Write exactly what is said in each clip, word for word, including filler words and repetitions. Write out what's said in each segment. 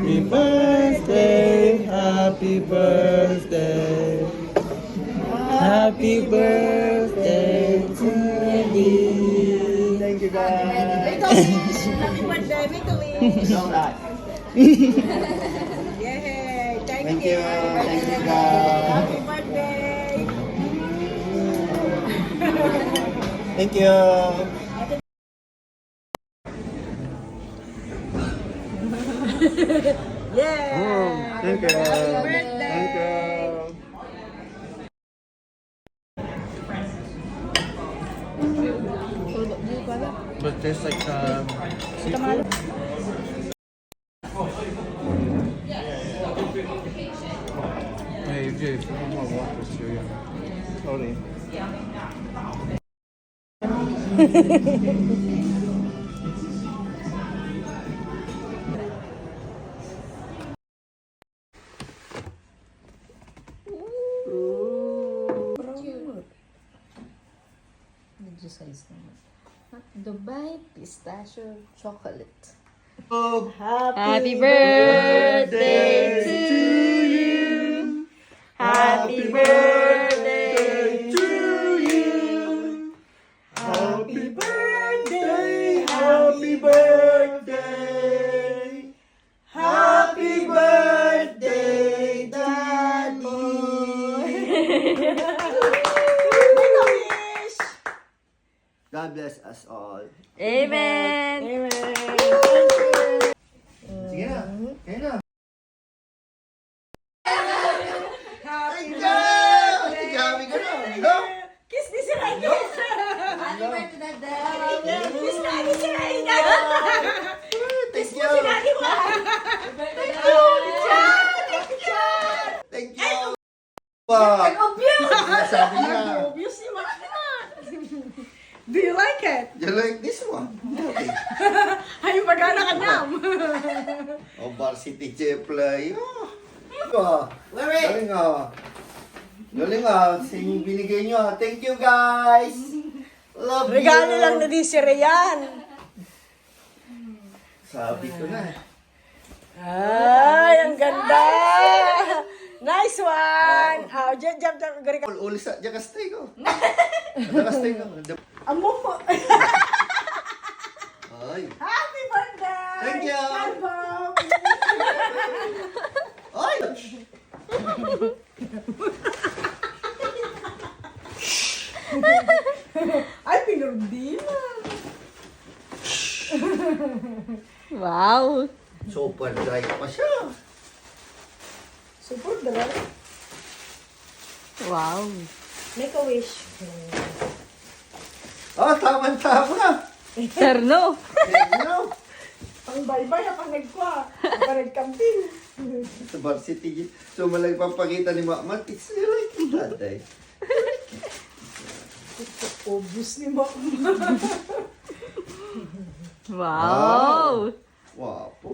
Happy birthday, happy birthday, happy birthday to you. Thank you guys. Make a wish! Happy birthday! Make a wish! No, not. Yay! Thank, Thank you! you. Thank you guys. Happy birthday! Thank you. Yeah! Thank you. Happy birthday! Thank you. But there's like um, seafood. Hey, Jay, if you want more water, sure, yeah. Sorry. Medyo size naman. Dubai Pistachio Chocolate. Oh, Happy birthday to you. Happy birthday to you. Happy birthday, happy birthday. Happy birthday, Daddy. Make a wish! God bless us all. Amen. Amen! Sige na. Kaya na. Happy Ay, gabi ka na. Go. Kiss me si Ray! Kiss! Happy birthday, Daddy. Kiss lagi si Ray! Thank you. Lagi mo! Thank you. Wow. Sabi niya. Obvious si Mama. Do you like it? You like this one? Okay. Ay, magana ka nyam. Oh, varsity play. Oh. Oh. Galing ah. Galing ah. Sing binigay nyo ah. Thank you guys. Love Regalo you. lang na di si Rayan. Sabi ko na. Ay, ang ganda. Nice one. Ah, jump, jump, jump. Gari ka. Ul ulis sa jakastay ko. Jakastay ko. Amo po. Ay. Happy birthday. Thank you. Album. Ay. Ay, pinurdina. Wow. Super dry pa siya. Super dry. Wow. Make a wish. Oh, tama-tama. Terno. Ano? Pang baybay, pang nagkwa. Pang nagkamping. Sa varsity. So, malang papakita ni Mama. It's like that eh. Obvious ni Mama. Wow. Wow po.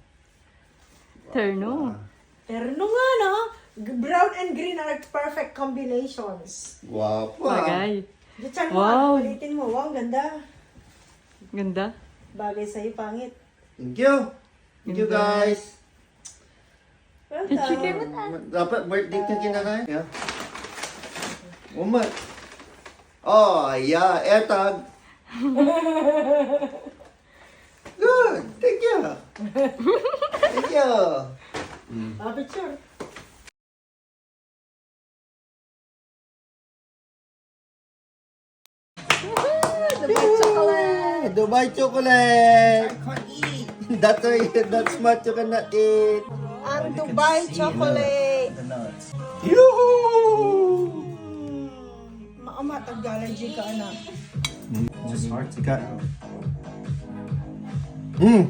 Terno. Terno nga, no? Brown and green are perfect combinations. Wow po. ah. Bagay. Diyachan mo, Wow. palitin mo. Wow, ang ganda. Ganda. Bagay sa'yo, pangit. Thank you. Thank you guys. Chicken Welcome. mo. Dapat birthday ka kinakain. Yeah. Uma. Oh, yeah. Etag. Good. Thank you. Thank you. Ah, picture. Dubai chocolate. Dubai chocolate. That's why, that's much you cannot eat. Ang Dubai chocolate. Yoo-hoo! Maamat, ag-allergy ka, anak. Just hard to cut. Mm.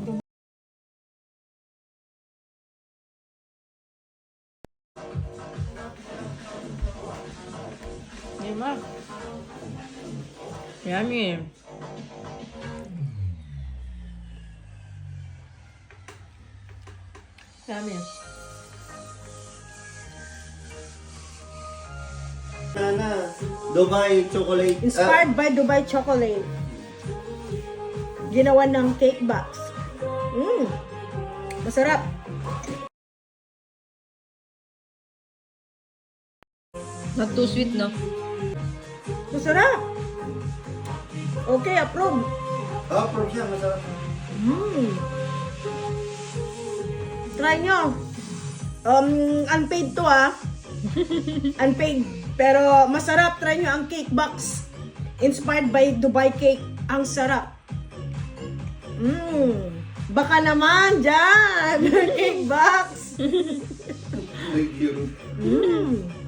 Diba? Yummy. Yummy. Nana, Dubai chocolate. Inspired by Dubai chocolate. Ginawa ng cake box. Mm. Masarap. Not too sweet, no? Masarap. Okay, approve. Oh, proof siya, masarap. Mm. Try nyo. Um, unpaid to ah. Unpaid. Pero masarap. Try nyo ang cake box. Inspired by Dubai Cake. Ang sarap. Mm. Baka naman dyan. Cake box. Thank you. Mm.